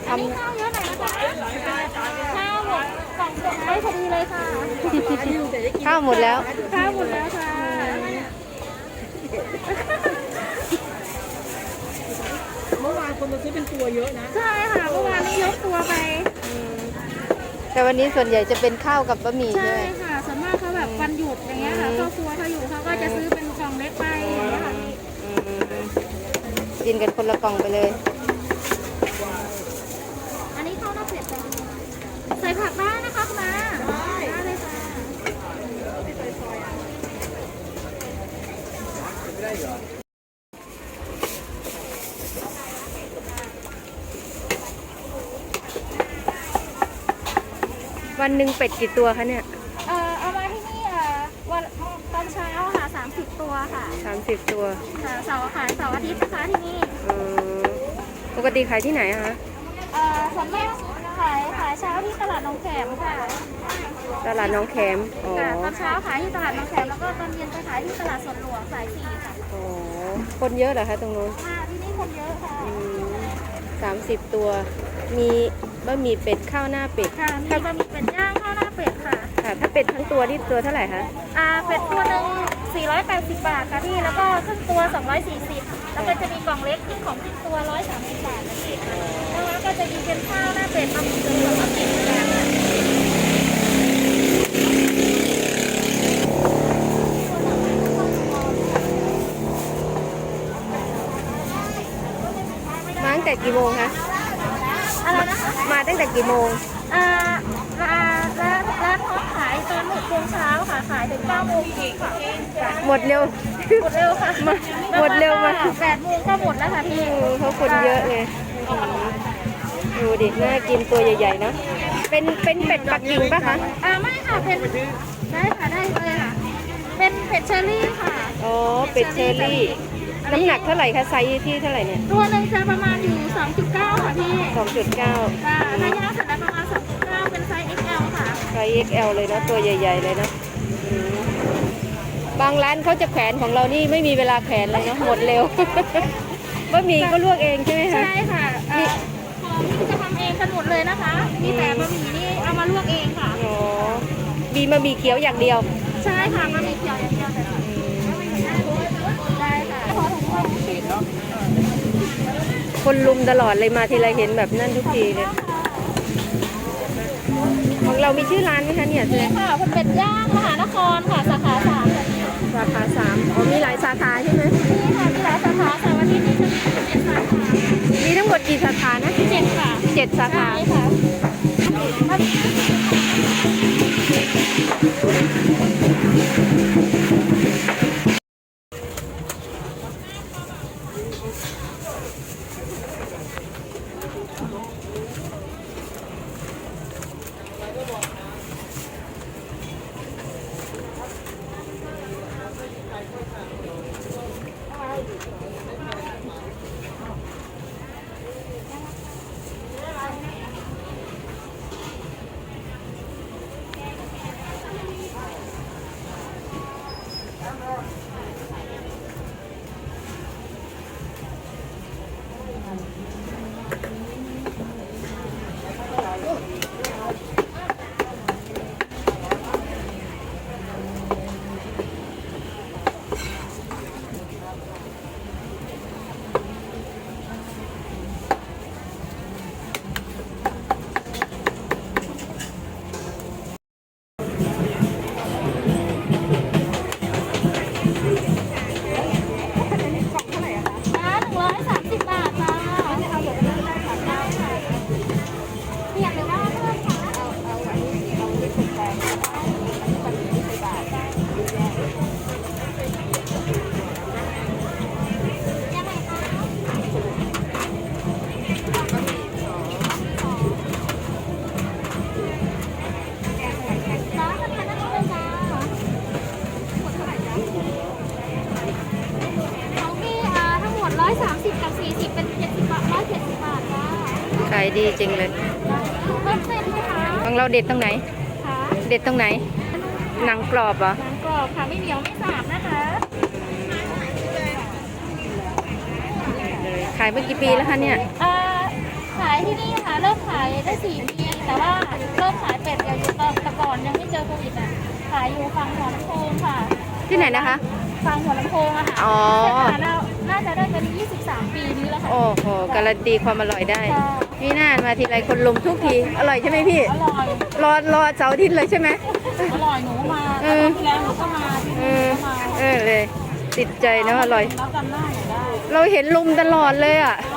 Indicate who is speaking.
Speaker 1: อันนี้ข้าวเยอะหน่อยนะคะข้าวหมดกล่องส่งได้พอดีเลยค่ะ
Speaker 2: ข้าวหมดแล้ว
Speaker 1: ข้าวหมดแล้วค่ะ
Speaker 3: เมื่อวานคนมาซื้อเป็นตัวเยอะนะ
Speaker 1: ใช่ค่ะเมื่อวานนี้ยกตัวไป
Speaker 2: แต่วันนี้ส่วนใหญ่จะเป็นข้าวกับบะหมี่
Speaker 1: ใช่
Speaker 2: ใช่ไหม
Speaker 1: ค่ะส่วนมากเขาแบบวันหยุดอย่างเงี้ยค่ะครอบครัวเขาอยู่เขาก็จะซื้อเป็นกล่องเล็กไปอย่างเงี้ยค่ะ
Speaker 2: อืมกินกันคนละกล่องไปเลย
Speaker 1: อันนี้ข้าวหน้าเป็ดจ้ะใส่ผักได้นะคะคุณมาได้เลยค่ะ
Speaker 2: วันหนึ่งเป็ดกี่ตัวคะเนี่ย
Speaker 1: เอามาที่นี่วันตอนเช้าค่ะ30 ตัวค่ะ
Speaker 2: 30 ตัว
Speaker 1: ค่ะเสาร์ขายเสาร์อาทิตย์นะคะที่นี่
Speaker 2: เออปกติขายที่ไหนอะคะ
Speaker 1: ส่วนมากขายเช้าที่ตลาดหนองแขมค่ะ
Speaker 2: ตลาดน้องแขมอ๋อ
Speaker 1: ค่ะตอนเช้าขายที่ตลาดหนองแขมแล้วก็ตอนเย็นไปขายที่ตลาดสวนหลวงสาย4ค่ะ
Speaker 2: อ๋อคนเยอะเหรอคะตรงนู้น
Speaker 1: ค่ะที่นี่คนเยอะค่ะ
Speaker 2: 30 ตัว มีบะหมี่เป็ดข้าวหน้าเป็ด
Speaker 1: ค่ะมีบะหมี่เป็ดย่างข้าวหน้าเป็ดค่ะ
Speaker 2: ค่ะ ถ้าเป็ดทั้งตัวนี่ตัวเท่าไหร่คะ
Speaker 1: เป็ดตัวหนึ่ง480 บาทค่ะพี่แล้วก็ครึ่งตัว240แล้วก็จะมีกล่องเล็กที่ของครึ่งตัว130 บาทนะพี่แล้วก็จะมีเป็นข้าวหน้าเป็ดบะหมี่เป็ดแล้วก็เป็ดย่างค่ะ
Speaker 2: มาตั้งแต่กี่โมงคะ
Speaker 1: อะไรนะคะ
Speaker 2: มาตั้งแต่กี่โมง
Speaker 1: ร้านพร้อมขายตอน6 โมงเช้าค่ะขายถึง9 โมงครึ่งค่ะ
Speaker 2: หมดเร็ว
Speaker 1: หมดเร็วค่ะ
Speaker 2: หมดเร็วมาก
Speaker 1: 8 โมงก็หมดแล้วค่ะพี่
Speaker 2: เพราะคนเยอะเลยดูดิน่ากินตัวใหญ่ๆเนอะเป็นเป็ดปักกิ่งปะคะ
Speaker 1: ไม่ค่ะเป็นได้ค่ะได้เลยค่ะ เป็นเป็ดเชอรี่ค่ะ
Speaker 2: อ๋อ เป็ดเชอรี่ น้ำหนักเท่าไหร่คะไซส์ที่เท่าไหร่เนี่ย
Speaker 1: ตัวหนึ่งจะประมาณอยู่ 2.9 ค่ะพี่
Speaker 2: 2.9
Speaker 1: ค่ะถ้าย่างเสร็จแล้วประมาณ 2.9 เป็นไซส์ XL ค่ะ
Speaker 2: ไซส์ XL เลยเนอะตัวใหญ่ๆเลยเนอะอืมบางร้านเขาจะแขวนของเรานี่ไม่มีเวลาแขวนเลยเนาะหมดเร็ว บะหมี่ก็ลวกเองใช่ไหมคะ
Speaker 1: ใช่ค่ะของนี่จะทำเองกันหมดเลยนะคะ มีแต่บะหมี่นี่เอามาลวกเองค่ะ
Speaker 2: อ๋อมีบะหมี่เขียวอย่างเดียว
Speaker 1: ใช่ค่ะบะหมี่เขียวอย่างเดียวเลยค่ะได้ค่ะขอถุงมือปิดเนาะ
Speaker 2: คนลุมตลอดเลยมาทีไรเห็นแบบนั่นทุกทีเลย ของเรามีชื่อร้านไหมคะเนี่ย
Speaker 1: นี่ค่ะคุณเป็ดย่างมหานครค่ะสาขา3ค่ะ
Speaker 2: สาขา3อ๋อมีหลายสาขาใช่ไหม
Speaker 1: นี่ค่ะมีหลายสาขาค่ะวันนี้นี่จะมี7 สาขา
Speaker 2: มีทั้งหมดกี่สาขานะ
Speaker 1: 7 ค่ะ
Speaker 2: 7 สาขา
Speaker 1: ใช่ค่ะ130 บาทจ้าเอาแบบนี้ได้ค่ะได้ค่ะเปลี่ยนหรือว่าเพิ่มค่ะเอาไปตกแต่งได้บาทได้ยังไงคะร้านทำไมนั่งเลยจ้าหมดเท่าไหร่จ้าของพี่ทั้งหมด130กับ40เป็น70 บาท170 บาทจ้า
Speaker 2: ขายดีจริงเลย
Speaker 1: เพิ่มเส้นไหมคะ
Speaker 2: ของเราเด็ดตรงไหน
Speaker 1: ค่ะ
Speaker 2: เด็ดตรงไหน หนังกรอบเหรอ
Speaker 1: หนังกรอบค่ะไม่เหนียวไม่สาบนะคะ
Speaker 2: ขายมากี่ปีแล้วคะเนี่ย
Speaker 1: ขายที่นี่ค่ะเริ่มขายได้4 ปีแต่ว่าเริ่มขายเป็ดอยู่แต่ก่อนยังไม่เจอโควิดอ่ะขายอยู่ฝั่งหัวลำโพงค่ะ
Speaker 2: ที่ไหนนะคะ
Speaker 1: ฝั่งหัวลำโพงอะค่ะ
Speaker 2: อ๋อ
Speaker 1: น่าจะได้เป็น23 ปีนี้แล้วค่ะ
Speaker 2: โอ้โหการันตีความอร่อยได้
Speaker 1: ค่ะ
Speaker 2: นี่น่ามาทีไรคนลุมทุกที อร่อยใช่ไหมพี่
Speaker 1: อร่อย
Speaker 2: รอเสาร์อาทิตย์เลยใช่ไหม
Speaker 1: อร่อยหนูมา
Speaker 2: เอ
Speaker 1: แล้ว
Speaker 2: อ
Speaker 1: ที่แล้วหนูก็มาที่
Speaker 2: เอ
Speaker 1: นี่
Speaker 2: อ
Speaker 1: ก็มา
Speaker 2: เลย ติดใจนะอร่อย
Speaker 1: แล้วจำได้หนูได้
Speaker 2: เราเห็นลุมตลอดเลยอ่ะ
Speaker 1: ใช่